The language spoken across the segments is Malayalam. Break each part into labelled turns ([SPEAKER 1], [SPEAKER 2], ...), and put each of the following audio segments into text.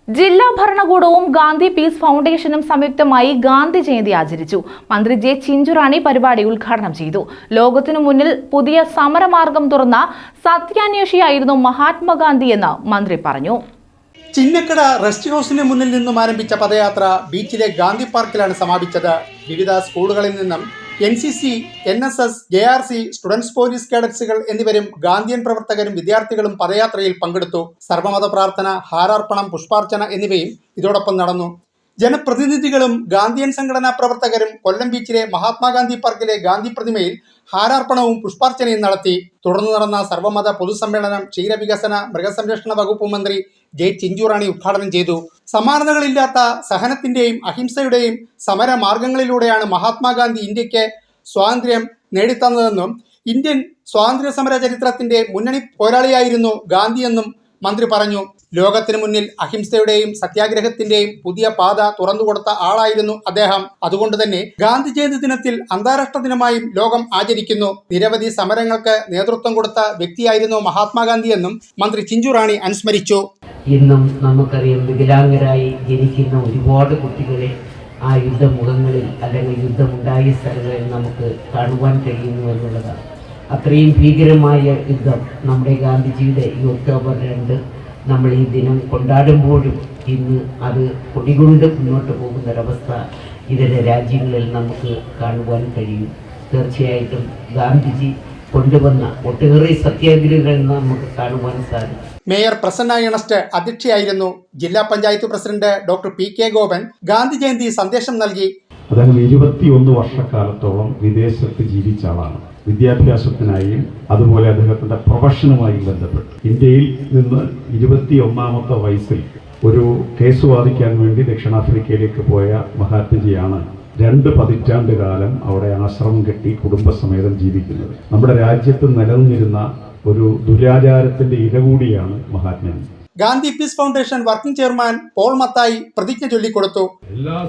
[SPEAKER 1] ജില്ലാ ഭരണകൂടവും ഗാന്ധി പീസ് ഫൗണ്ടേഷനും സംയുക്തമായി ഗാന്ധി ജയന്തി ആചരിച്ചു. മന്ത്രി ജെ ചിഞ്ചുറാണി പരിപാടി ഉദ്ഘാടനം ചെയ്തു. ലോകത്തിനു മുന്നിൽ പുതിയ സമരമാർഗം തുറന്ന സത്യാന്വേഷിയായിരുന്നു മഹാത്മാഗാന്ധി എന്ന് മന്ത്രി പറഞ്ഞു.
[SPEAKER 2] ചിന്നക്കട റെസ്റ്റ് ഹൗസിന് മുന്നിൽ നിന്നും ആരംഭിച്ച പദയാത്ര ബീച്ചിലെ ഗാന്ധി പാർക്കിലാണ് സമാപിച്ചത്. വിവിധ സ്കൂളുകളിൽ നിന്നും NCC, NSS, JRC, students police കേഡറ്റ്സുകൾ എന്നിവരും ഗാന്ധിയൻ പ്രവർത്തകരും വിദ്യാർത്ഥികളും പദയാത്രയിൽ പങ്കെടുത്തു. സർവമത പ്രാർത്ഥന, ഹാരാർപ്പണം, പുഷ്പാർച്ചന എന്നിവയും ഇതോടൊപ്പം നടന്നു. ജനപ്രതിനിധികളും ഗാന്ധിയൻ സംഘടനാ പ്രവർത്തകരും കൊല്ലം ബീച്ചിലെ മഹാത്മാഗാന്ധി പാർക്കിലെ ഗാന്ധി പ്രതിമയിൽ ഹാരാർപ്പണവും പുഷ്പാർച്ചനയും നടത്തി. തുടർന്ന് നടന്ന സർവമത പൊതുസമ്മേളനം ക്ഷീരവികസന മൃഗസംരക്ഷണ വകുപ്പ് മന്ത്രി ജെ ചിഞ്ചുറാണി ഉദ്ഘാടനം ചെയ്തു. സമാനതകളില്ലാത്ത സഹനത്തിന്റെയും അഹിംസയുടെയും സമര മാർഗങ്ങളിലൂടെയാണ് മഹാത്മാഗാന്ധി ഇന്ത്യക്ക് സ്വാതന്ത്ര്യം നേടിത്തന്നതെന്നും ഇന്ത്യൻ സ്വാതന്ത്ര്യ സമര ചരിത്രത്തിന്റെ മുന്നണി പോരാളിയായിരുന്നു ഗാന്ധിയെന്നും മന്ത്രി പറഞ്ഞു. ലോകത്തിന് മുന്നിൽ അഹിംസയുടെയും സത്യാഗ്രഹത്തിന്റെയും പുതിയ പാത തുറന്നുകൊടുത്ത ആളായിരുന്നു അദ്ദേഹം. അതുകൊണ്ട് തന്നെ ഗാന്ധി ജയന്തി ദിനത്തിൽ അന്താരാഷ്ട്ര ദിനമായും ലോകം ആചരിക്കുന്നു. നിരവധി സമരങ്ങൾക്ക് നേതൃത്വം കൊടുത്ത വ്യക്തിയായിരുന്നു മഹാത്മാഗാന്ധി എന്നും മന്ത്രി ചിഞ്ചുറാണി അനുസ്മരിച്ചു.
[SPEAKER 3] ഇന്നും നമുക്കറിയാം, വികലാംഗരായി ജനിക്കുന്ന ഒരുപാട് കുട്ടികളെ ആ യുദ്ധമുഖങ്ങളിൽ അല്ലെങ്കിൽ യുദ്ധമുണ്ടായ സ്ഥലങ്ങളിൽ നമുക്ക് കാണുവാൻ കഴിയുന്നു എന്നുള്ളതാണ്. അത്രയും ഭീകരമായ യുദ്ധം നമ്മുടെ ഗാന്ധിജിയുടെ ഈ ഒക്ടോബർ 2 നമ്മൾ ഈ ദിനം കൊണ്ടാടുമ്പോഴും ഇന്ന് അത് കൊടികൊണ്ട് മുന്നോട്ട് പോകുന്നൊരവസ്ഥ ഇതര രാജ്യങ്ങളിൽ നമുക്ക് കാണുവാൻ കഴിയും. തീർച്ചയായിട്ടും ഗാന്ധിജി കൊണ്ടുവന്ന ഒട്ടേറെ സത്യാഗ്രഹങ്ങൾ നമുക്ക് കാണുവാൻ സാധിക്കും.
[SPEAKER 2] മേയർ പ്രസന്ന ഏണസ്റ്റ് അധ്യക്ഷയായിരുന്നു. ജില്ലാ panchayat president doctor PK Gopan Gandhi Jayanti സന്ദേശം നൽകി.
[SPEAKER 4] അദ്ദേഹം 21 വർഷക്കാലത്തോളം വിദേശത്ത് ജീവിച്ച ആളാണ്. വിദ്യാഭ്യാസത്തിനായും അതുപോലെ അദ്ദേഹത്തിൻ്റെ പ്രൊഫഷനുമായും ബന്ധപ്പെട്ട് ഇന്ത്യയിൽ നിന്ന് 21ാമത്തെ വയസ്സിൽ ഒരു കേസ് വാദിക്കാൻ വേണ്ടി ദക്ഷിണാഫ്രിക്കയിലേക്ക് പോയ മഹാത്മജിയാണ് 2 പതിറ്റാണ്ട് കാലം അവിടെ ആശ്രമം കെട്ടി കുടുംബസമേതം ജീവിക്കുന്നത്. നമ്മുടെ രാജ്യത്ത് നിലനിന്നിരുന്ന ഒരു ദുരാചാരത്തിന്റെ ഇര കൂടിയാണ് Mahatmaji.
[SPEAKER 2] Gandhi peace foundation working chairman Paul Mathai പ്രതിജ്ഞ ചൊല്ലിക്കൊടുത്തു.
[SPEAKER 5] എല്ലാ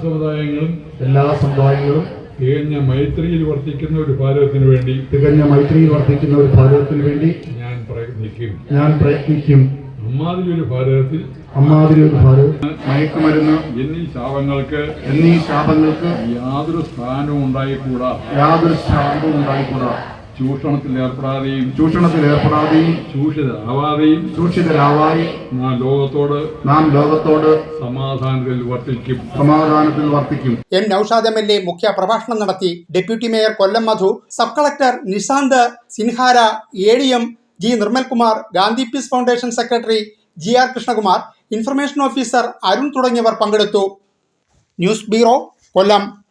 [SPEAKER 5] സമുദായങ്ങളും തികഞ്ഞ മൈത്രിയിൽ വർത്തിക്കുന്ന ഒരു ഭാരതത്തിന് വേണ്ടി ഞാൻ പ്രയത്നിക്കും. അമ്മാതിരി ഒരു ഭാരതത്തിൽ മയക്കുമരുന്ന് എന്നീ ശാപങ്ങൾക്ക് യാതൊരു സ്ഥാനവും ഉണ്ടായിക്കൂടാ. ചൂഷണത്തിൽ ഏർപ്പെടാതെയും ചൂഷിതരാവാതെയും നാം ലോകത്തോട് സമാധാനത്തിൽ വർത്തിക്കും.
[SPEAKER 2] എൻ നൌഷാദ് MLA മുഖ്യ പ്രഭാഷണം നടത്തി. Deputy mayor Kollam Madhu, sub collector Nishanth Sinhara, ADM G Nirmalkumar, Gandhi peace foundation secretary GR Krishnakumar, information officer Arun തുടങ്ങിയവർ പങ്കെടുത്തു. ന്യൂസ് ബ്യൂറോ, കൊല്ലം.